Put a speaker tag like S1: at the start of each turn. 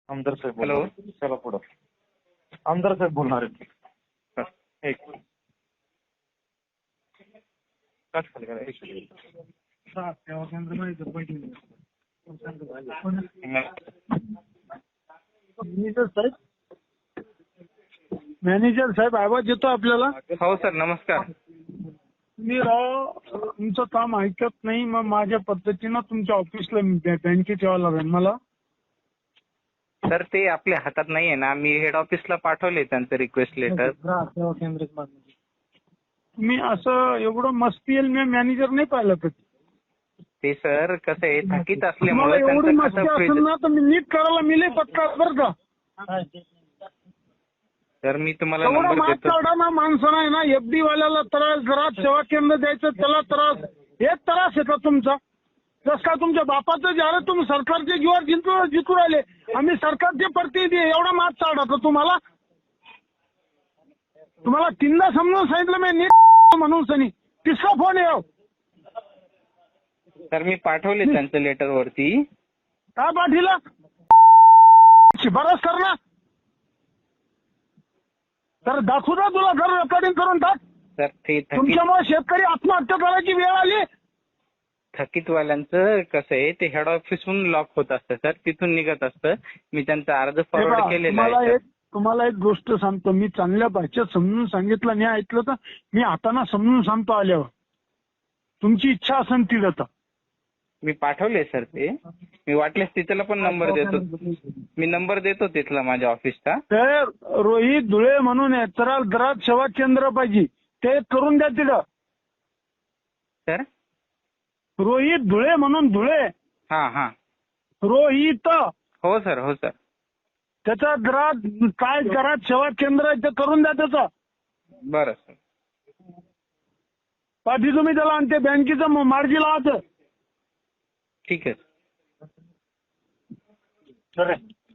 S1: आमदार साहेब
S2: हॅलो.
S1: चला पुढं. आमदार साहेब बोलणार आहेत.
S2: एक कट खाली करा, एक मिनिट.
S3: मॅनेजर साहेब आवाज येतो आपल्याला?
S2: हो सर, नमस्कार.
S3: मी राव तुमचं काम ऐकत नाही, मग माझ्या पद्धतीनं तुमच्या ऑफिसला बँकेत यावं लागेल मला.
S2: सर ते आपल्या हातात नाहीये ना, मी हेड ऑफिसला पाठवले त्यांचं रिक्वेस्ट लेटर.
S3: मी असं एवढं मस्ती येईल मी मॅनेजर नाही पाहिलं कधी.
S2: ते सर कसं आहे, थकीत
S3: मला
S2: असल्यामुळे
S3: एवढी
S2: त्यांचं
S3: मस्ती
S2: खातं
S3: असेल
S2: फ्रीज.
S3: ना तर मी नीट करायला मिले पत्ता बरं का.
S2: तर मी तुम्हाला
S3: एवढा
S2: नंबर
S3: मात
S2: देतो.
S3: काढा ना माणसानं आहे ना, एफडी वाल्याला त्रास, घरात सेवा केंद्र द्यायचं त्याला त्रास, एक त्रास येतो तुमचा. जस का तुमच्या बापाचं ज्याला तुम्ही सरकारचे जीवावर जिंकू राहिले, आम्ही सरकारचे प्रतिनिधी आहे, एवढा मात चालत तुम्हाला. तुम्हाला तीनदा समजून सांगितलं मी नीट म्हणून सनी, तिसरा फोन येऊ.
S2: तर मी पाठवले त्यांचं लेटर वरती.
S3: काय पाठीला शिफारस कर ना, तर दाखवू ना तुला घर रेकॉर्डिंग करून टाक.
S2: तर ते
S3: तुमच्यामुळे शेतकरी आत्महत्या करायची वेळ आली.
S2: थकीतवाल्यांचं कसं आहे, ते हेड ऑफिसहून लॉक होत असतं सर, तिथून निघत असतं. मी त्यांचा अर्ज फॉरवर्ड केलेला आहे.
S3: तुम्हाला एक गोष्ट सांगतो, मी चांगल्या भाषेत समजून सांगितलं नाही ऐकलं तर मी हाताना समजून सांगतो आल्यावर. तुमची इच्छा असेल ती जाता.
S2: मी पाठवले सर ते. मी वाटल्यास तिथला पण नंबर देतो. मी नंबर देतो तिथला माझ्या ऑफिसचा.
S3: तर रोहित धुळे म्हणून आहे, तर दरात सेवा केंद्र पाहिजे, ते करून द्या तिथं.
S2: सर
S3: रोहित धुळे म्हणून, धुळे
S2: हा
S3: रोहित,
S2: हो सर, हो सर.
S3: त्याचा घरात काय घरात सेवा केंद्र आहे ते करून द्या त्याचा.
S2: बरं सर.
S3: पाठी तुम्ही त्याला आणि ते बँकेचं मार्गी लावायचं.
S2: ठीक आहे.
S1: सर